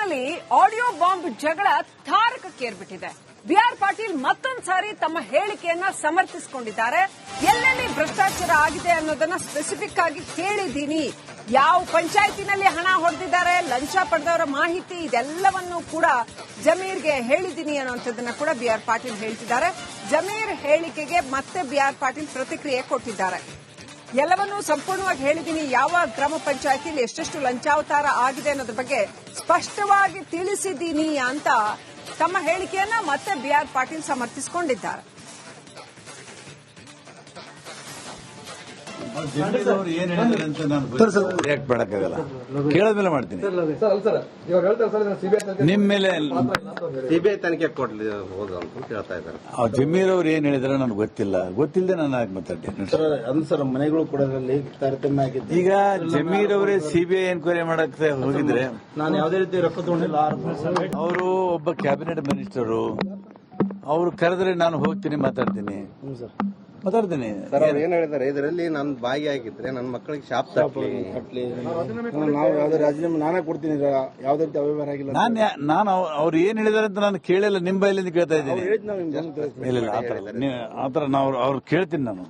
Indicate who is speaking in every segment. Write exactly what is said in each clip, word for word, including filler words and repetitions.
Speaker 1: ಕಾಂಗ್ರೆಸ್ನಲ್ಲಿ audio bomb ಜಗಳ ತಾರಕಕ್ಕೇರ್ಬಿಟ್ಟಿದೆ. B R Patil ಮತ್ತೊಂದು ಸಾರಿ ತಮ್ಮ ಹೇಳಿಕೆಯನ್ನ ಸಮರ್ಥಿಸಿಕೊಂಡಿದ್ದಾರೆ. ಎಲ್ಲೆಲ್ಲಿ ಭ್ರಷ್ಟಾಚಾರ ಆಗಿದೆ ಅನ್ನೋದನ್ನ ಸ್ಪೆಸಿಫಿಕ್ ಆಗಿ ಕೇಳಿದ್ದೀನಿ, ಯಾವ ಪಂಚಾಯತಿನಲ್ಲಿ ಹಣ ಹೊಡೆದಿದ್ದಾರೆ, ಲಂಚ ಪಡೆದವರ ಮಾಹಿತಿ ಇದೆಲ್ಲವನ್ನೂ ಕೂಡ ಜಮೀರ್ಗೆ ಹೇಳಿದ್ದೀನಿ ಅನ್ನುವಂಥದ್ದನ್ನ ಕೂಡ ಬಿ ಆರ್ ಪಾಟೀಲ್ ಹೇಳ್ತಿದ್ದಾರೆ. ಜಮೀರ್ ಹೇಳಿಕೆಗೆ ಮತ್ತೆ ಬಿ ಆರ್ ಪಾಟೀಲ್ ಪ್ರತಿಕ್ರಿಯೆ ಕೊಟ್ಟಿದ್ದಾರೆ. ಎಲ್ಲವನ್ನೂ ಸಂಪೂರ್ಣವಾಗಿ ಹೇಳಿದ್ದೀನಿ, ಯಾವ ಗ್ರಾಮ ಪಂಚಾಯತಿಯಲ್ಲಿ ಎಷ್ಟೆಷ್ಟು ಲಂಚಾವತಾರ ಆಗಿದೆ ಅನ್ನೋದ್ರ ಬಗ್ಗೆ ಸ್ಪಷ್ಟವಾಗಿ ತಿಳಿಸಿದ್ದೀನಿ ಅಂತ ತಮ್ಮ ಹೇಳಿಕೆಯನ್ನ ಮತ್ತೆ ಬಿ ಆರ್ ಪಾಟೀಲ್ ಸಮರ್ಥಿಸಿಕೊಂಡಿದ್ದಾರೆ.
Speaker 2: ಏನ್ ಹೇಳಿದ್ರೆ ಅಂತ ನಾನು ರಿಯಾಕ್ಟ್ ಮಾಡಕ್ಕಾಗಲ್ಲ, ಕೇಳದ್ಮೇಲೆ ಮಾಡ್ತೀನಿ. ನಿಮ್ ಮೇಲೆ
Speaker 3: ಸಿಬಿಐ ತನಿಖೆ ಕೊಡ್ಲಿ ಹೋದ ಅಂತ ಕೇಳ್ತಾ ಇದ್ದಾರೆ.
Speaker 2: ಜಮೀರ್ ಅವ್ರು ಏನ್ ಹೇಳಿದ್ರೆ ನನಗೆ ಗೊತ್ತಿಲ್ಲ, ಗೊತ್ತಿಲ್ಲದೆ ನಾನು ಆಗಿ ಮಾತಾಡ್ತೀನಿ.
Speaker 3: ಸರ್ ಮನೆಗಳು ಕೂಡ ತಾರತಮ್ಯ ಆಗಿದೆ.
Speaker 2: ಈಗ ಜಮೀರ್ ಅವರೇ ಸಿಬಿಐ ಎನ್ಕ್ವೈರಿ ಮಾಡಕ್ ಹೋಗಿದ್ರೆ
Speaker 3: ನಾನು ಯಾವುದೇ ರೀತಿ ರೊಕ್ಕ ತಗೊಂಡಿಲ್ಲ.
Speaker 2: ಅವರು ಒಬ್ಬ ಕ್ಯಾಬಿನೆಟ್ ಮಿನಿಸ್ಟರು, ಅವ್ರು ಕರೆದ್ರೆ ನಾನು ಹೋಗ್ತೀನಿ, ಮಾತಾಡ್ತೀನಿ ಮಾತಾಡ್ತೀನಿ
Speaker 3: ಸರ್ ಅವ್ರು ಏನ್ ಹೇಳಿದ್ದಾರೆ, ಇದರಲ್ಲಿ ನಾನು ಭಾಗಿಯಾಗಿದ್ರೆ ನನ್ನ ಮಕ್ಕಳಿಗೆ ಶಾಪ್ ಕಟ್ಲಿ ನಾವು ಯಾವ್ದೇ ರಾಜೀನಾಮೆ ನಾನೇ ಕೊಡ್ತೀನಿ, ಯಾವ್ದೇ ರೀತಿ ಅವ್ಯವಹಾರ ಆಗಿಲ್ಲ.
Speaker 2: ನಾನು ನಾನು ಅವ್ರು ಏನ್ ಹೇಳಿದಾರೆ ಅಂತ ನಾನು ಕೇಳಿಲ್ಲ, ನಿಮ್ ಬೈಲಿಂದ ಕೇಳ್ತಾ ಇದ್ದೀನಿ. ಇಲ್ಲ ಆತರ ನಾವು ಅವ್ರು ಕೇಳ್ತೀನಿ ನಾನು.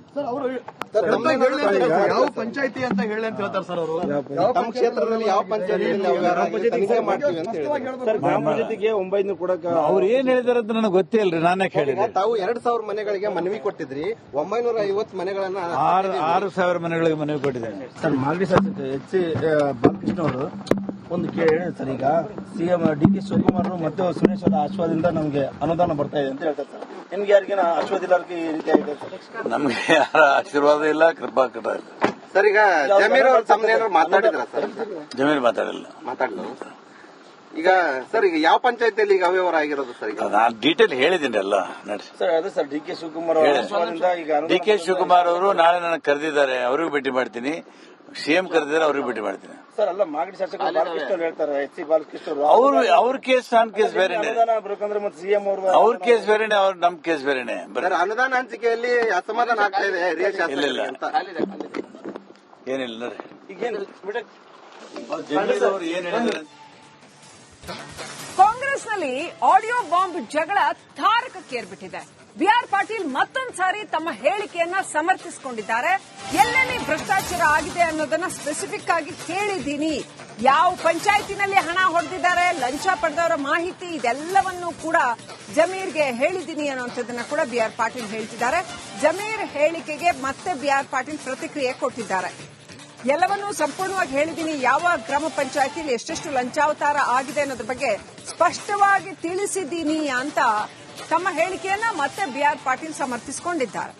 Speaker 4: ಯಾವ ಪಂಚಾಯತಿ ಅಂತ ಹೇಳಿ ಅಂತ ಹೇಳ್ತಾರೆ ಸರ್ ಅವರು.
Speaker 3: ನಮ್ಮ ಕ್ಷೇತ್ರದಲ್ಲಿ ಯಾವ ಪಂಚಾಯತಿ ತನಿಖೆ ಮಾಡ್ತೀವಿ ಅಂತ ಹೇಳಿದ್ದಾರೆ. ಗ್ರಾಮ ಪಂಚಾಯತಿಗೆ ಒಂಬೈನೂರು ಕೊಡಕ
Speaker 2: ಅವ್ರು ಏನ್ ಹೇಳಿದಾರೆ ಅಂತ ನನಗೆ ಗೊತ್ತೇ ಇಲ್ರಿ, ನಾನೇ ಕೇಳಿದೆ.
Speaker 3: ತಾವು ಎರಡ್ ಸಾವಿರ ಮನೆಗಳಿಗೆ ಮನವಿ ಕೊಟ್ಟಿದ್ರಿ, ಒಂಬೈನೂರ ಐವತ್ತು ಮನೆಗಳನ್ನ
Speaker 2: ಆರು ಆರು ಸಾವಿರ ಮನೆಗಳಿಗೆ ಮನವಿ ಕೊಟ್ಟಿದ್ದೇನೆ.
Speaker 3: ಸರ್ ಮಾಗಡಿ ಶಾಸಕ ಎಚ್ ಸಿ ಬಾಲಕೃಷ್ಣ ಅವರು ಒಂದು ಕೇಳಿ ಸರ್, ಈಗ ಸಿಎಂ ಡಿ ಕೆ ಶಿವಕುಮಾರ್ ಮತ್ತು ಸುರೇಶ್ ಅವರ ಆಶ್ವಾದಿಂದ ನಮಗೆ ಅನುದಾನ ಬರ್ತಾ ಇದೆ ಅಂತ ಹೇಳ್ತಾರೆ ಸರ್. ನಿಮ್ಗೆ ಯಾರಿಗೇನ ಆಶ್ವಾದ ಇಲ್ಲ ಈ ರೀತಿ ಆಗಿದೆ ಸರ್?
Speaker 2: ನಮ್ಗೆ ಯಾರ ಆಶೀರ್ವಾದ ಇಲ್ಲ, ಕೃಪಾ ಕಟ ಇಲ್ಲ
Speaker 3: ಸರ್. ಈಗ ಜಮೀರ್ ಅವರು ತಮ್ಮನೇನಾದ್ರು ಮಾತಾಡಿದ್ರ ಸರ್?
Speaker 2: ಜಮೀರ್ ಮಾತಾಡಿಲ್ಲ.
Speaker 3: ಮಾತಾಡಿಲ್ಲ. ಈಗ ಸರ್ ಈಗ ಯಾವ ಪಂಚಾಯತಿಯಲ್ಲಿ ಈಗ ಅವ್ಯವಹಾರ ಆಗಿರೋದು ಸರ್? ಈಗ
Speaker 2: ನಾನು ಡೀಟೇಲ್ ಹೇಳಿದ್ದೀನಿ ಎಲ್ಲ ನಡ್ರಿ
Speaker 3: ಸರ್. ಅದೇ sir D K Shivakumar
Speaker 2: D K Shivakumar ಅವರು ನಾಳೆ ನನಗೆ ಕರೆದಿದ್ದಾರೆ, ಅವ್ರಿಗೂ ಭೇಟಿ ಮಾಡ್ತೀನಿ. ಸಿಎಂ ಕರೆದಿದ್ದಾರೆ, ಅವ್ರಿಗೂ ಭೇಟಿ ಮಾಡ್ತೀನಿ.
Speaker 3: ಸರ್ ಅಲ್ಲ ಮಾಗಡಿ ಶಾಸಕ ಬಾಲಕೃಷ್ಣ ಅವ್ರು ಹೇಳ್ತಾರೆ, ಎಚ್ ಸಿ ಬಾಲಕೃಷ್ಣ ಅವರು
Speaker 2: ಅವ್ರು ಅವ್ರ ಕೇಸ್ ನನ್ನ ಕೇಸ್ ಬೇರೆನೆ,
Speaker 3: ಬೇಕಂದ್ರೆ ಮತ್ತೆ ಸಿಎಂ ಅವರು
Speaker 2: ಅವ್ರ ಕೇಸ್ ಬೇರೆನೆ, ಅವ್ರ ನಮ್ ಕೇಸ್ ಬೇರೆನೆ.
Speaker 3: ಅನುದಾನ ಹಂಚಿಕೆಯಲ್ಲಿ ಅಸಮಾಧಾನ ಆಗ್ತಾ ಇದೆ ಹಿರಿಯ ಶಾಸಕರಿಗೆ ಅಂತ.
Speaker 2: ಏನಿಲ್ಲ ನೋಡ್ರಿ.
Speaker 3: ಈಗೇನು
Speaker 2: ಜಮೀರ್ ಅವರು ಏನ್ ಹೇಳಿದ್ರೆ
Speaker 1: ಕಾಂಗ್ರೆಸ್ನಲ್ಲಿ ಆಡಿಯೋ ಬಾಂಬ್ ಜಗಳ ತಾರಕಕ್ಕೇರ್ಬಿಟ್ಟಿದೆ. ಬಿ ಆರ್ ಪಾಟೀಲ್ ಮತ್ತೊಂದು ಸಾರಿ ತಮ್ಮ ಹೇಳಿಕೆಯನ್ನ ಸಮರ್ಥಿಸಿಕೊಂಡಿದ್ದಾರೆ. ಎಲ್ಲೆಲ್ಲಿ ಭ್ರಷ್ಟಾಚಾರ ಆಗಿದೆ ಅನ್ನೋದನ್ನ ಸ್ಪೆಸಿಫಿಕ್ ಆಗಿ ಕೇಳಿದ್ದೀನಿ, ಯಾವ ಪಂಚಾಯತಿನಲ್ಲಿ ಹಣ ಹೊಡೆದಿದ್ದಾರೆ, ಲಂಚ ಪಡೆದವರ ಮಾಹಿತಿ ಇದೆಲ್ಲವನ್ನೂ ಕೂಡ ಜಮೀರ್ಗೆ ಹೇಳಿದ್ದೀನಿ ಅನ್ನುವಂಥದ್ದನ್ನ ಕೂಡ ಬಿ ಆರ್ ಪಾಟೀಲ್ ಹೇಳ್ತಿದ್ದಾರೆ. ಜಮೀರ್ ಹೇಳಿಕೆಗೆ ಮತ್ತೆ ಬಿ ಆರ್ ಪಾಟೀಲ್ ಪ್ರತಿಕ್ರಿಯೆ ಕೊಟ್ಟಿದ್ದಾರೆ. ಎಲ್ಲವನ್ನೂ ಸಂಪೂರ್ಣವಾಗಿ ಹೇಳಿದ್ದೀನಿ, ಯಾವ ಗ್ರಾಮ ಪಂಚಾಯತಿಯಲ್ಲಿ ಎಷ್ಟೆಷ್ಟು ಲಂಚಾವತಾರ ಆಗಿದೆ ಅನ್ನೋದ್ರ ಬಗ್ಗೆ ಸ್ಪಷ್ಟವಾಗಿ ತಿಳಿಸಿದ್ದೀನಿ ಅಂತ ತಮ್ಮ ಹೇಳಿಕೆಯನ್ನ ಮತ್ತೆ ಬಿ ಆರ್ ಪಾಟೀಲ್ ಸಮರ್ಥಿಸಿಕೊಂಡಿದ್ದಾರೆ.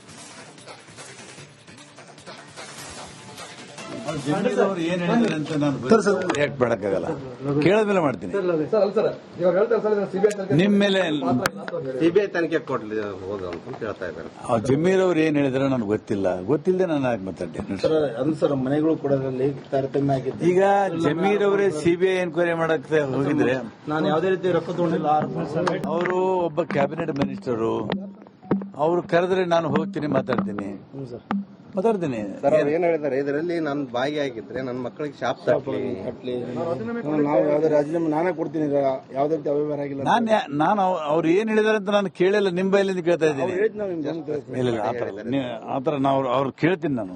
Speaker 2: ಜಮೀರ್ ಅವರು ಏನ್ ಹೇಳಿದ್ರೆ ಅಂತ ನಾನು ರಿಯಾಕ್ಟ್ ಮಾಡಕ್ಕಾಗಲ್ಲ, ಕೇಳದ್ಮೇಲೆ ಮಾಡ್ತೀನಿ. ನಿಮ್ ಮೇಲೆ
Speaker 3: ಸಿಬಿಐ ತನಿಖೆ ಕೊಡ್ಲಿ ಹೋದ ಅಂತ ಕೇಳ್ತಾ ಇದ್ದಾರೆ.
Speaker 2: ಜಮೀರ್ ಅವ್ರು ಏನ್ ಹೇಳಿದ್ರೆ ನನಗೆ ಗೊತ್ತಿಲ್ಲ, ಗೊತ್ತಿಲ್ಲದೆ ನಾನು ಆಗಿ ಮಾತಾಡ್ತೀನಿ.
Speaker 3: ಸರ್ ಮನೆಗಳು ಕೂಡ ತಾರತಮ್ಯ ಆಗಿದೆ.
Speaker 2: ಈಗ ಜಮೀರ್ ಅವರೇ ಸಿಬಿಐ ಎನ್ಕ್ವೈರಿ ಮಾಡಕ್ ಹೋಗಿದ್ರೆ
Speaker 3: ನಾನು ಯಾವುದೇ ರೀತಿ ರೊಕ್ಕ ತಗೊಂಡಿಲ್ಲ.
Speaker 2: ಅವರು ಒಬ್ಬ ಕ್ಯಾಬಿನೆಟ್ ಮಿನಿಸ್ಟರು, ಅವ್ರು ಕರೆದ್ರೆ ನಾನು ಹೋಗ್ತೀನಿ, ಮಾತಾಡ್ತೀನಿ ಮಾತಾಡ್ತೀನಿ
Speaker 3: ಸರ್ ಅವ್ರು ಏನ್ ಹೇಳಿದ್ದಾರೆ, ಇದರಲ್ಲಿ ನಾನು ಭಾಗಿಯಾಗಿದ್ರೆ ನನ್ನ ಮಕ್ಕಳಿಗೆ ಶಾಪ್ ಕಟ್ಲಿ ನಾವು ಯಾವ್ದೇ ರಾಜೀನಾಮೆ ನಾನೇ ಕೊಡ್ತೀನಿ, ಯಾವ್ದೇ ರೀತಿ ಅವ್ಯವಹಾರ ಆಗಿಲ್ಲ.
Speaker 2: ನಾನು ನಾನು ಅವ್ರು ಏನ್ ಹೇಳಿದಾರೆ ಅಂತ ನಾನು ಕೇಳಿಲ್ಲ, ನಿಮ್ ಬೈಲಿಂದ ಕೇಳ್ತಾ ಇದ್ದೀನಿ. ಇಲ್ಲ ಆತರ ನಾವು ಅವ್ರು ಕೇಳ್ತೀನಿ ನಾನು.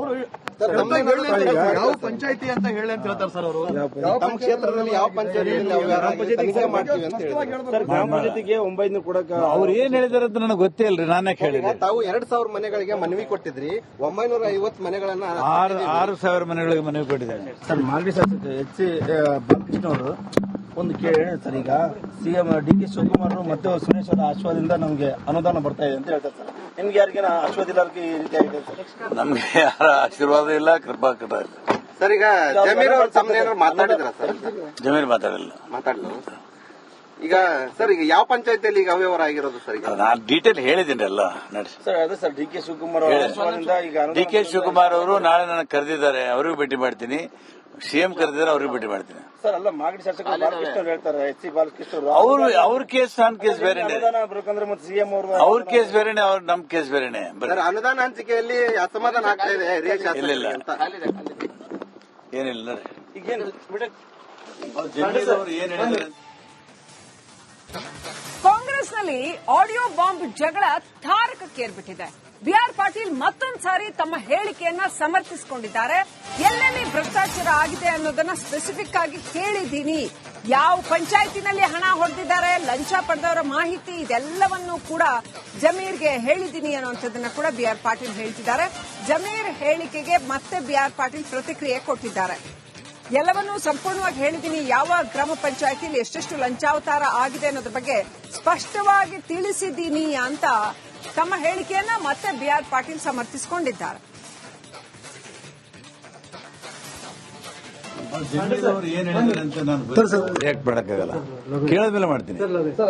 Speaker 4: ಯಾವ ಪಂಚಾಯತಿ ಅಂತ ಹೇಳಿ ಅಂತ ಹೇಳ್ತಾರೆ ಸರ್ ಅವರು.
Speaker 3: ನಮ್ಮ ಕ್ಷೇತ್ರದಲ್ಲಿ ಯಾವ ಪಂಚಾಯತಿ ತನಿಖೆ ಮಾಡ್ತೀವಿ ಅಂತ ಹೇಳಿದ್ದಾರೆ. ಗ್ರಾಮ ಪಂಚಾಯತಿಗೆ ಒಂಬೈನೂರು ಕೊಡಕ
Speaker 2: ಅವ್ರು ಏನ್ ಹೇಳಿದಾರೆ ಅಂತ ನನಗೆ ಗೊತ್ತೇ ಇಲ್ರಿ, ನಾನೇ ಕೇಳಿದೆ.
Speaker 3: ತಾವು ಎರಡ್ ಸಾವಿರ ಮನೆಗಳಿಗೆ ಮನವಿ ಕೊಟ್ಟಿದ್ರಿ, ಒಂಬೈನೂರ ಐವತ್ತು ಮನೆಗಳನ್ನ
Speaker 2: ಆರು ಆರು ಸಾವಿರ ಮನೆಗಳಿಗೆ ಮನವಿ ಕೊಟ್ಟಿದ್ದೇನೆ.
Speaker 3: ಸರ್ ಮಾಗಡಿ ಶಾಸಕ ಎಚ್ ಸಿ ಬಾಲಕೃಷ್ಣ ಅವರು ಒಂದು ಕೇಳಿ ಸರ್, ಈಗ ಸಿಎಂ ಡಿ ಕೆ ಶಿವಕುಮಾರ್ ಮತ್ತು ಸುರೇಶ್ ಅವರ ಆಶ್ವಾದಿಂದ ನಮಗೆ ಅನುದಾನ ಬರ್ತಾ ಇದೆ ಅಂತ ಹೇಳ್ತಾರೆ ಸರ್. ನಿಮ್ಗೆ ಯಾರಿಗೇನ ಆಶ್ವಾದ ಇಲ್ಲ ಈ ರೀತಿ ಆಗಿದೆ ಸರ್?
Speaker 2: ನಮ್ಗೆ ಯಾರ ಆಶೀರ್ವಾದ ಇಲ್ಲ, ಕೃಪಾ ಕಟ ಇಲ್ಲ
Speaker 3: ಸರ್. ಈಗ ಜಮೀರ್ ಅವರು ತಮ್ಮನೇನಾದ್ರು ಮಾತಾಡಿದ್ರ ಸರ್?
Speaker 2: ಜಮೀರ್ ಮಾತಾಡಿಲ್ಲ.
Speaker 3: ಮಾತಾಡಿಲ್ಲ. ಈಗ ಸರ್ ಈಗ ಯಾವ ಪಂಚಾಯತಿಯಲ್ಲಿ ಈಗ ಅವ್ಯವಹಾರ ಆಗಿರೋದು ಸರ್? ಈಗ
Speaker 2: ನಾನು ಡೀಟೇಲ್ ಹೇಳಿದ್ದೀನಿ ಎಲ್ಲ ನಡ್ರಿ.
Speaker 3: ಸರ್ ಅದೇ ಸರ್ ಡಿ ಕೆ ಶಿವಕುಮಾರ್ ಅವರು
Speaker 2: ಡಿ ಕೆ ಶಿವಕುಮಾರ್ ಅವರು ನಾಳೆ ನನಗೆ ಕರೆದಿದ್ದಾರೆ, ಅವ್ರಿಗೂ ಭೇಟಿ ಮಾಡ್ತೀನಿ. ಸಿಎಂ ಕರೆದಿದ್ದಾರೆ, ಅವ್ರಿಗೂ ಭೇಟಿ ಮಾಡ್ತೀನಿ.
Speaker 3: ಸರ್ ಅಲ್ಲ ಮಾಗಡಿ ಶಾಸಕ ಬಾಲಕೃಷ್ಣ ಅವ್ರು ಹೇಳ್ತಾರೆ, ಎಚ್ ಸಿ ಬಾಲಕೃಷ್ಣ ಅವರು
Speaker 2: ಅವ್ರು ಅವ್ರ ಕೇಸ್ ನನ್ನ ಕೇಸ್ ಬೇರೆನೆ,
Speaker 3: ಬೇಕಂದ್ರೆ ಮತ್ತೆ ಸಿಎಂ ಅವರು
Speaker 2: ಅವ್ರ ಕೇಸ್ ಬೇರೆನೆ, ಅವ್ರ ನಮ್ ಕೇಸ್ ಬೇರೆನೆ.
Speaker 3: ಅನುದಾನ ಹಂಚಿಕೆಯಲ್ಲಿ ಅಸಮಾಧಾನ ಆಗ್ತಾ ಇದೆ ಹಿರಿಯ ಶಾಸಕರಿಗೆ ಅಂತ.
Speaker 2: ಏನಿಲ್ಲ ನೋಡ್ರಿ.
Speaker 3: ಈಗೇನು
Speaker 2: ಜಮೀರ್ ಅವರು ಏನ್ ಹೇಳಿದ್ದಾರೆ?
Speaker 1: ಕಾಂಗ್ರೆಸ್ನಲ್ಲಿ ಆಡಿಯೋ ಬಾಂಬ್ ಜಗಳ ತಾರಕಕ್ಕೇರ್ಬಿಟ್ಟಿದೆ. ಬಿಆರ್ ಪಾಟೀಲ್ ಮತ್ತೊಂದು ಸಾರಿ ತಮ್ಮ ಹೇಳಿಕೆಯನ್ನ ಸಮರ್ಥಿಸಿಕೊಂಡಿದ್ದಾರೆ. ಎಲ್ಲೆಲ್ಲಿ ಭ್ರಷ್ಟಾಚಾರ ಆಗಿದೆ ಅನ್ನೋದನ್ನ ಸ್ಪೆಸಿಫಿಕ್ ಆಗಿ ಹೇಳಿದ್ದೀನಿ. ಯಾವ ಪಂಚಾಯತಿನಲ್ಲಿ ಹಣ ಹೊಡೆದಿದ್ದಾರೆ, ಲಂಚ ಪಡೆದವರ ಮಾಹಿತಿ ಇದೆಲ್ಲವನ್ನೂ ಕೂಡ ಜಮೀರ್ಗೆ ಹೇಳಿದ್ದೀನಿ ಅನ್ನುವಂಥದ್ದನ್ನ ಕೂಡ ಬಿಆರ್ ಪಾಟೀಲ್ ಹೇಳ್ತಿದ್ದಾರೆ. ಜಮೀರ್ ಹೇಳಿಕೆಗೆ ಮತ್ತೆ ಬಿಆರ್ ಪಾಟೀಲ್ ಪ್ರತಿಕ್ರಿಯೆ ಕೊಟ್ಟಿದ್ದಾರೆ. ಎಲ್ಲವನ್ನೂ ಸಂಪೂರ್ಣವಾಗಿ ಹೇಳಿದ್ದೀನಿ. ಯಾವ ಗ್ರಾಮ ಪಂಚಾಯತಿಯಲ್ಲಿ ಎಷ್ಟೆಷ್ಟು ಲಂಚಾವತಾರ ಆಗಿದೆ ಅನ್ನೋದ್ರ ಬಗ್ಗೆ ಸ್ಪಷ್ಟವಾಗಿ ತಿಳಿಸಿದ್ದೀನಿ ಅಂತ ತಮ್ಮ ಹೇಳಿಕೆಯನ್ನ ಮತ್ತೆ ಬಿಆರ್ ಪಾಟೀಲ್ ಸಮರ್ಥಿಸಿಕೊಂಡಿದ್ದಾರೆ.
Speaker 2: ಜಮೀರ್ ಅವರು ಏನ್ ಹೇಳಿದ್ದಾರೆ ಅಂತ ನಾನು ರಿಯಾಕ್ಟ್ ಮಾಡಕ್ಕಾಗಲ್ಲ. ಕೇಳದ್ಮೇಲೆ ಮಾಡ್ತೀನಿ.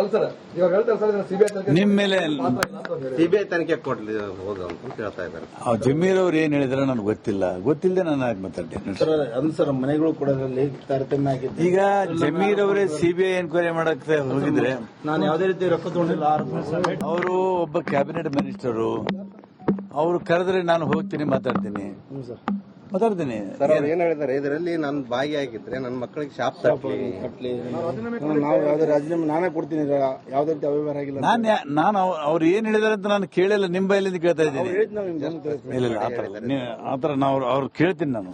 Speaker 2: ನಿಮ್ ಮೇಲೆ
Speaker 5: ಸಿಬಿಐ ತನಿಖೆ ಕೊಡ್ಲಿ ಹೋದ ಅಂತ ಕೇಳ್ತಾ ಇದ್ದಾರೆ.
Speaker 2: ಜಮೀರ್ ಅವ್ರು ಏನ್ ಹೇಳಿದ್ರೆ ನನಗೆ ಗೊತ್ತಿಲ್ಲ. ಗೊತ್ತಿಲ್ಲದೆ ನಾನು ಆಗಿ ಮಾತಾಡ್ತೀನಿ.
Speaker 3: ಅದು ಸರ್ ಮನೆಗಳು ಕೂಡ ತಾರತಮ್ಯ ಆಗಿದೆ.
Speaker 2: ಈಗ ಜಮೀರ್ ಅವರೇ ಸಿಬಿಐ ಎನ್ಕ್ವೈರಿ ಮಾಡಕ್ಕೆ ಹೋಗಿದ್ರೆ
Speaker 3: ನಾನು ಯಾವುದೇ ರೀತಿ ರೊಕ್ಕ ತಗೊಂಡಿಲ್ಲ.
Speaker 2: ಅವರು ಒಬ್ಬ ಕ್ಯಾಬಿನೆಟ್ ಮಿನಿಸ್ಟರು. ಅವರು ಕರೆದ್ರೆ ನಾನು ಹೋಗ್ತೀನಿ, ಮಾತಾಡ್ತೀನಿ ಮಾತಾಡ್ತೀನಿ
Speaker 5: ಸರ್ ಅವ್ರು ಏನ್ ಹೇಳಿದ್ದಾರೆ, ಇದರಲ್ಲಿ ನಾನು ಭಾಗಿಯಾಗಿದ್ರೆ ನನ್ನ ಮಕ್ಕಳಿಗೆ ಶಾಪ್ ತಪ್ಪಲಿ
Speaker 3: ಕಟ್ಲಿ ನಾವು ಯಾವ್ದೇ ರಾಜೀನಾಮೆ ನಾನೇ ಕೊಡ್ತೀನಿ. ಯಾವ್ದೇ ರೀತಿ ಅವ್ಯವಹಾರ ಆಗಿಲ್ಲ.
Speaker 2: ನಾನು ನಾನು ಅವ್ರು ಏನ್ ಹೇಳಿದಾರೆ ಅಂತ ನಾನು ಕೇಳಿಲ್ಲ. ನಿಮ್ಮ ಬೈಲಿಂದ ಕೇಳ್ತಾ ಇದ್ದೀನಿ. ಇಲ್ಲ ಇಲ್ಲ ಆತರ ಆತರ ನಾವು ಅವ್ರು ಕೇಳ್ತೀನಿ ನಾನು.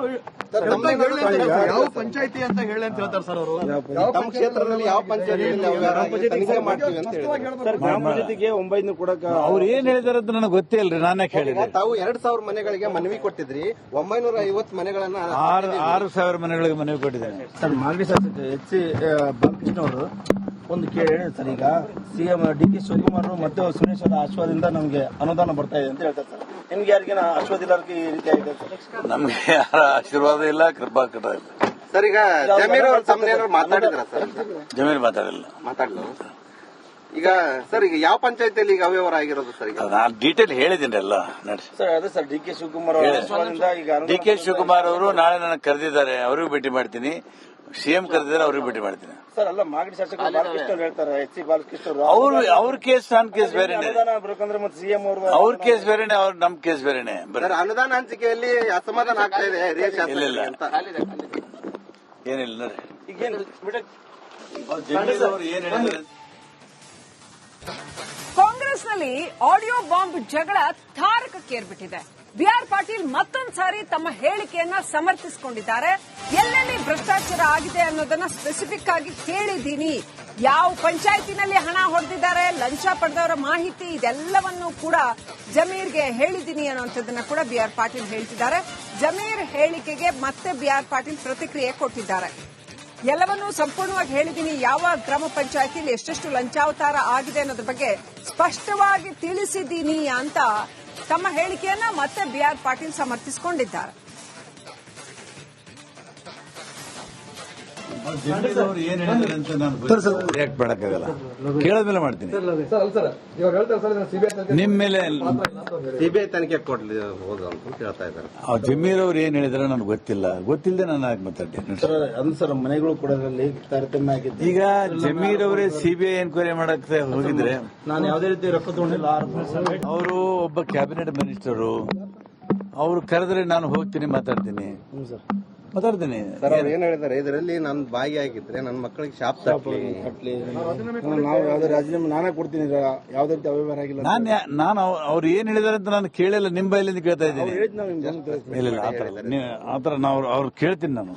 Speaker 4: ಯಾವ ಪಂಚಾಯತಿ ಅಂತ ಹೇಳಿ ಅಂತ ಹೇಳ್ತಾರೆ ಸರ್ ಅವರು.
Speaker 5: ನಮ್ಮ ಕ್ಷೇತ್ರದಲ್ಲಿ ಯಾವ ಪಂಚಾಯತಿ ತನಿಖೆ ಮಾಡ್ತೀವಿ ಅಂತ ಹೇಳಿದ್ದಾರೆ.
Speaker 3: ಗ್ರಾಮ ಪಂಚಾಯತಿಗೆ ಒಂಬೈನೂರು ಕೊಡಕ
Speaker 2: ಅವ್ರು ಏನ್ ಹೇಳಿದಾರೆ ಅಂತ ನನಗೆ ಗೊತ್ತೇ ಇಲ್ರಿ. ನಾನೇ ಕೇಳಿದೆ.
Speaker 5: ತಾವು ಎರಡ್ ಸಾವಿರ ಮನೆಗಳಿಗೆ ಮನವಿ ಕೊಟ್ಟಿದ್ರಿ. ಒಂಬೈನೂರ ಐವತ್ತು ಮನೆಗಳನ್ನ
Speaker 2: ಆರು ಆರು ಸಾವಿರ ಮನೆಗಳಿಗೆ ಮನವಿ ಕೊಟ್ಟಿದ್ದೇನೆ.
Speaker 3: ಸರ್ ಮಾಗಡಿ ಶಾಸಕ ಎಚ್ ಸಿ ಬಾಲಕೃಷ್ಣ ಅವರು ಒಂದು ಕೇಳಿ ಸರ್, ಈಗ ಸಿಎಂ ಡಿ ಕೆ ಶಿವಕುಮಾರ್ ಮತ್ತೆ ಸುರೇಶ್ ಅವರ ಆಶ್ವಾದಿಂದ ನಮಗೆ ಅನುದಾನ ಬರ್ತಾ ಇದೆ ಅಂತ ಹೇಳ್ತಾರೆ ಸರ್. ನಿಮ್ಗೆ ಯಾರಿಗೇನ ಆಶ್ವಾದ ಇಲ್ಲಕ್ಕೆ ಈ ರೀತಿ ಆಗಿದೆ ಸರ್?
Speaker 2: ನಮ್ಗೆ ಯಾರ ಆಶೀರ್ವಾದ ಇಲ್ಲ, ಕೃಪಾ ಕಟ ಇಲ್ಲ.
Speaker 5: ಸರ್ ಈಗ ಜಮೀರ್ ಅವ್ರ ತಮ್ಮನೇನಾದ್ರು ಮಾತಾಡಿದ್ರ ಸರ್?
Speaker 2: ಜಮೀರ್ ಮಾತಾಡಿಲ್ಲ.
Speaker 5: ಮಾತಾಡಿದ್ರು. ಈಗ ಸರ್ ಈಗ ಯಾವ ಪಂಚಾಯತಿಯಲ್ಲಿ ಈಗ ಅವ್ಯವಹಾರ ಆಗಿರೋದು ಸರ್? ಈಗ
Speaker 2: ನಾನು ಡೀಟೇಲ್ ಹೇಳಿದ್ದೀನಿ ಎಲ್ಲ ನಡೆಸಿ.
Speaker 3: ಸರ್ ಅದೇ ಸರ್ ಡಿ ಕೆ ಶಿವಕುಮಾರ್ ಅವರ ಆಶ್ವಾದಿಂದ ಈಗ
Speaker 2: ಡಿ ಕೆ ಶಿವಕುಮಾರ್ ಅವರು ನಾಳೆ ನನಗೆ ಕರೆದಿದ್ದಾರೆ. ಅವ್ರಿಗೂ ಭೇಟಿ ಮಾಡ್ತೀನಿ. ಸಿಎಂ ಕರೆದಿದ್ದಾರೆ, ಅವ್ರಿಗೂ ಭೇಟಿ ಮಾಡ್ತೀನಿ.
Speaker 3: ಸರ್ ಅಲ್ಲ ಮಾಗಡಿ ಶಾಸಕ ಬಾಲಕೃಷ್ಣ ಅವ್ರು ಹೇಳ್ತಾರೆ, ಎಚ್ ಸಿ ಬಾಲಕೃಷ್ಣ ಅವರು
Speaker 2: ಅವ್ರು ಅವ್ರ ಕೇಸ್ ನನ್ನ ಕೇಸ್ ಬೇರೆನೆ.
Speaker 3: ಅನುದಾನ ಬೇಕಂದ್ರೆ ಮತ್ತೆ ಸಿಎಂ ಅವರು
Speaker 2: ಅವ್ರ ಕೇಸ್ ಬೇರೆನೆ, ಅವ್ರ ನಮ್ ಕೇಸ್ ಬೇರೆನೆ.
Speaker 5: ಸರ್ ಅನುದಾನ ಹಂಚಿಕೆಯಲ್ಲಿ ಅಸಮಾಧಾನ ಆಗ್ತಾ ಇದೆ ಹಿರಿಯ ಶಾಸಕರಿಗೆ ಅಂತ.
Speaker 2: ಏನಿಲ್ಲ ನೋಡ್ರಿ.
Speaker 3: ಈಗೇನು
Speaker 2: ಜಮೀರ್ ಅವರು ಏನ್ ಹೇಳಿದ್ದಾರೆ?
Speaker 1: ಕಾಂಗ್ರೆಸ್ನಲ್ಲಿ ಆಡಿಯೋ ಬಾಂಬ್ ಜಗಳ ತಾರಕಕ್ಕೇರ್ಬಿಟ್ಟಿದೆ. ಬಿಆರ್ ಪಾಟೀಲ್ ಮತ್ತೊಂದು ಸಾರಿ ತಮ್ಮ ಹೇಳಿಕೆಯನ್ನ ಸಮರ್ಥಿಸಿಕೊಂಡಿದ್ದಾರೆ. ಎಲ್ಲೆಲ್ಲಿ ಭ್ರಷ್ಟಾಚಾರ ಆಗಿದೆ ಅನ್ನೋದನ್ನ ಸ್ಪೆಸಿಫಿಕ್ ಆಗಿ ಹೇಳಿದ್ದೀನಿ. ಯಾವ ಪಂಚಾಯತಿನಲ್ಲಿ ಹಣ ಹೊಡೆದಿದ್ದಾರೆ, ಲಂಚ ಪಡೆದವರ ಮಾಹಿತಿ ಇದೆಲ್ಲವನ್ನೂ ಕೂಡ ಜಮೀರ್ಗೆ ಹೇಳಿದ್ದೀನಿ ಅನ್ನುವಂಥದ್ದನ್ನ ಕೂಡ ಬಿಆರ್ ಪಾಟೀಲ್ ಹೇಳ್ತಿದ್ದಾರೆ. ಜಮೀರ್ ಹೇಳಿಕೆಗೆ ಮತ್ತೆ ಬಿಆರ್ ಪಾಟೀಲ್ ಪ್ರತಿಕ್ರಿಯೆ ಕೊಟ್ಟಿದ್ದಾರೆ. ಎಲ್ಲವನ್ನೂ ಸಂಪೂರ್ಣವಾಗಿ ಹೇಳಿದ್ದೀನಿ. ಯಾವ ಗ್ರಾಮ ಪಂಚಾಯತಿಯಲ್ಲಿ ಎಷ್ಟೆಷ್ಟು ಲಂಚಾವತಾರ ಆಗಿದೆ ಅನ್ನೋದ್ರ ಬಗ್ಗೆ ಸ್ಪಷ್ಟವಾಗಿ ತಿಳಿಸಿದ್ದೀನಿ ಅಂತ ತಮ್ಮ ಹೇಳಿಕೆಯನ್ನ ಮತ್ತೆ ಬಿಆರ್ ಪಾಟೀಲ್ ಸಮರ್ಥಿಸಿಕೊಂಡಿದ್ದಾರೆ.
Speaker 2: ಜಮೀರ್ ಅವರು ಏನ್ ಹೇಳಿದ್ದಾರೆ ಅಂತ ನಾನು ರಿಯಾಕ್ಟ್ ಮಾಡಕ್ಕಾಗಲ್ಲ. ಕೇಳದ್ಮೇಲೆ ಮಾಡ್ತೀನಿ. ನಿಮ್ ಮೇಲೆ
Speaker 5: ಸಿಬಿಐ ತನಿಖೆ ಕೊಡ್ಲಿ ಹೋದ ಅಂತ ಕೇಳ್ತಾ ಇದ್ದಾರೆ.
Speaker 2: ಜಮೀರ್ ಅವ್ರು ಏನ್ ಹೇಳಿದ್ರೆ ನನಗೆ ಗೊತ್ತಿಲ್ಲ. ಗೊತ್ತಿಲ್ಲದೆ ನಾನು ಆಗಿ ಮಾತಾಡ್ತೀನಿ.
Speaker 3: ಅದು ಸರ್ ಮನೆಗಳು ಕೂಡ ತಾರತಮ್ಯ ಆಗಿದೆ.
Speaker 2: ಈಗ ಜಮೀರ್ ಅವರೇ ಸಿಬಿಐ ಎನ್ಕ್ವೈರಿ ಮಾಡಕ್ಕೆ ಹೋಗಿದ್ರೆ
Speaker 3: ನಾನು ಯಾವುದೇ ರೀತಿ ರೊಕ್ಕ ತಗೊಂಡಿಲ್ಲ.
Speaker 2: ಅವರು ಒಬ್ಬ ಕ್ಯಾಬಿನೆಟ್ ಮಿನಿಸ್ಟರು. ಅವರು ಕರೆದ್ರೆ ನಾನು ಹೋಗ್ತೀನಿ, ಮಾತಾಡ್ತೀನಿ ಮಾತಾಡ್ತೀನಿ
Speaker 5: ಸರ್ ಅವ್ರು ಏನ್ ಹೇಳಿದ್ದಾರೆ, ಇದರಲ್ಲಿ ನಾನು ಭಾಗಿಯಾಗಿದ್ರೆ ನನ್ನ ಮಕ್ಕಳಿಗೆ ಶಾಪ್ ತಪ್ಪಲಿ
Speaker 3: ಕಟ್ಲಿ ನಾವು ಯಾವ್ದೇ ರಾಜೀನಾಮೆ ನಾನೇ ಕೊಡ್ತೀನಿ. ಯಾವ್ದೇ ರೀತಿ ಅವ್ಯವಹಾರ ಆಗಿಲ್ಲ.
Speaker 2: ನಾನು ನಾನು ಅವ್ರು ಏನ್ ಹೇಳಿದಾರೆ ಅಂತ ನಾನು ಕೇಳಿಲ್ಲ. ನಿಮ್ಮ ಬೈಲಿಂದ ಕೇಳ್ತಾ ಇದ್ದೀನಿ. ಇಲ್ಲ ಇಲ್ಲ ಆತರ ಆತರ ನಾವು ಅವ್ರು ಕೇಳ್ತೀನಿ ನಾನು.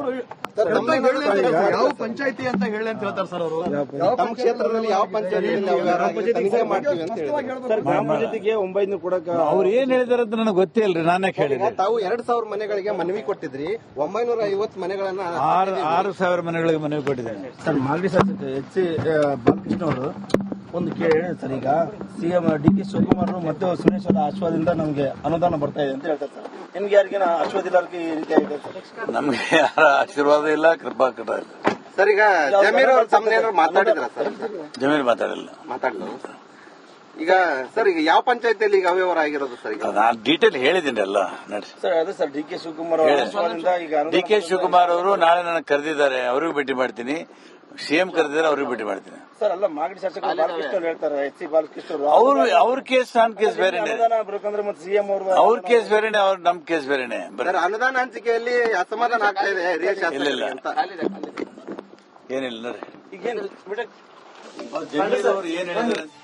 Speaker 4: ಯಾವ ಪಂಚಾಯತಿ ಅಂತ ಹೇಳಿ ಅಂತ ಹೇಳ್ತಾರೆ ಸರ್ ಅವರು.
Speaker 5: ನಮ್ಮ ಕ್ಷೇತ್ರದಲ್ಲಿ ಯಾವ ಪಂಚಾಯತಿ ತನಿಖೆ ಮಾಡ್ತೀವಿ ಅಂತ ಹೇಳಿದ್ದಾರೆ.
Speaker 3: ಸರ್ ಗ್ರಾಮ ಪಂಚಾಯತಿಗೆ ಒಂಬೈನೂರು ಕೊಡಕ
Speaker 2: ಅವ್ರು ಏನ್ ಹೇಳಿದಾರೆ ಅಂತ ನನಗೆ ಗೊತ್ತೇ ಇಲ್ರಿ. ನಾನೇ ಕೇಳಿದೆ.
Speaker 5: ತಾವು ಎರಡ್ ಸಾವಿರ ಮನೆಗಳಿಗೆ ಮನವಿ ಕೊಟ್ಟಿದ್ರಿ. ಒಂಬೈನೂರ ಐವತ್ತು ಮನೆಗಳನ್ನ
Speaker 2: ಆರು ಆರು ಸಾವಿರ ಮನೆಗಳಿಗೆ ಮನವಿ ಕೊಟ್ಟಿದ್ದೇನೆ.
Speaker 3: ಸರ್ ಮಾಗಡಿ ಶಾಸಕ ಎಚ್ ಸಿ ಬಾಲಕೃಷ್ಣ ಅವರು ಒಂದು ಕೇಳಿ ಸರ್, ಈಗ ಸಿಎಂ ಡಿ ಕೆ ಶಿವಕುಮಾರ್ ಮತ್ತೆ ಸುರೇಶ್ ಅವರ ಆಶ್ವಾದಿಂದ ನಮಗೆ ಅನುದಾನ ಬರ್ತಾ ಇದೆ ಅಂತ ಹೇಳ್ತಾರೆ ಸರ್. ನಿಮ್ಗೆ ಯಾರಿಗೇನ ಆಶ್ವಾದ ಇಲ್ಲಕ್ಕೆ ಈ ರೀತಿ ಆಗಿದೆ ಸರ್?
Speaker 2: ನಮ್ಗೆ ಯಾರ ಆಶೀರ್ವಾದ ಇಲ್ಲ, ಕೃಪಾ ಕಟ ಇಲ್ಲ.
Speaker 5: ಸರ್ ಈಗ ಜಮೀರ್ ಅವ್ರ ತಮ್ಮನೇನಾದ್ರು ಮಾತಾಡಿದ್ರ ಸರ್?
Speaker 2: ಜಮೀರ್ ಮಾತಾಡಿಲ್ಲ.
Speaker 5: ಮಾತಾಡಿದ್ರು. ಈಗ ಸರ್ ಈಗ ಯಾವ ಪಂಚಾಯತಿಯಲ್ಲಿ ಈಗ ಅವ್ಯವಹಾರ ಆಗಿರೋದು ಸರ್ ಈಗ
Speaker 2: ನಾನು ಡೀಟೇಲ್ ಹೇಳಿದ್ದೀನಿ ಎಲ್ಲ ನೋಡಿ.
Speaker 3: ಸರ್ ಅದೇ ಸರ್ ಡಿ ಕೆ ಶಿವಕುಮಾರ್ ಅವರ ಆಶ್ವಾದಿಂದ ಈಗ
Speaker 2: ಡಿ ಕೆ ಶಿವಕುಮಾರ್ ಅವರು ನಾಳೆ ನನಗೆ ಕರೆದಿದ್ದಾರೆ, ಅವ್ರಿಗೂ ಭೇಟಿ ಮಾಡ್ತೀನಿ. ಸಿಎಂ ಕರೆದಿದ್ದಾರೆ, ಅವ್ರಿಗೂ ಭೇಟಿ ಮಾಡ್ತೀನಿ.
Speaker 3: ಸರ್ ಅಲ್ಲ ಮಾಗಡಿ ಶಾಸಕರು ಬಾಲಕೃಷ್ಣ ಅವ್ರು ಹೇಳ್ತಾರೆ, ಎಚ್ ಸಿ ಬಾಲಕೃಷ್ಣ ಅವರು
Speaker 2: ಅವ್ರು ಅವ್ರ ಕೇಸ್ ನನ್ನ ಕೇಸ್ ಬೇರೆನೆ,
Speaker 3: ಅನುದಾನ ಬರ್ಬೇಕಂದ್ರೆ ಮತ್ತೆ ಸಿಎಂ ಅವರು
Speaker 2: ಅವ್ರ ಕೇಸ್ ಬೇರೆನೆ, ಅವ್ರ ನಮ್ ಕೇಸ್ ಬೇರೆನೆ.
Speaker 5: ಸರ್ ಅನುದಾನ ಹಂಚಿಕೆಯಲ್ಲಿ ಅಸಮಾಧಾನ ಆಗ್ತಾ ಇದೆ ಹಿರಿಯ ಶಾಸಕರಿಗೆ ಅಂತ.
Speaker 2: ಏನಿಲ್ಲ ನೋಡಿ.
Speaker 3: ಈಗೇನು
Speaker 2: ಜಮೀರ್ ಅವರು ಏನ್ ಹೇಳಿದ್ದಾರೆ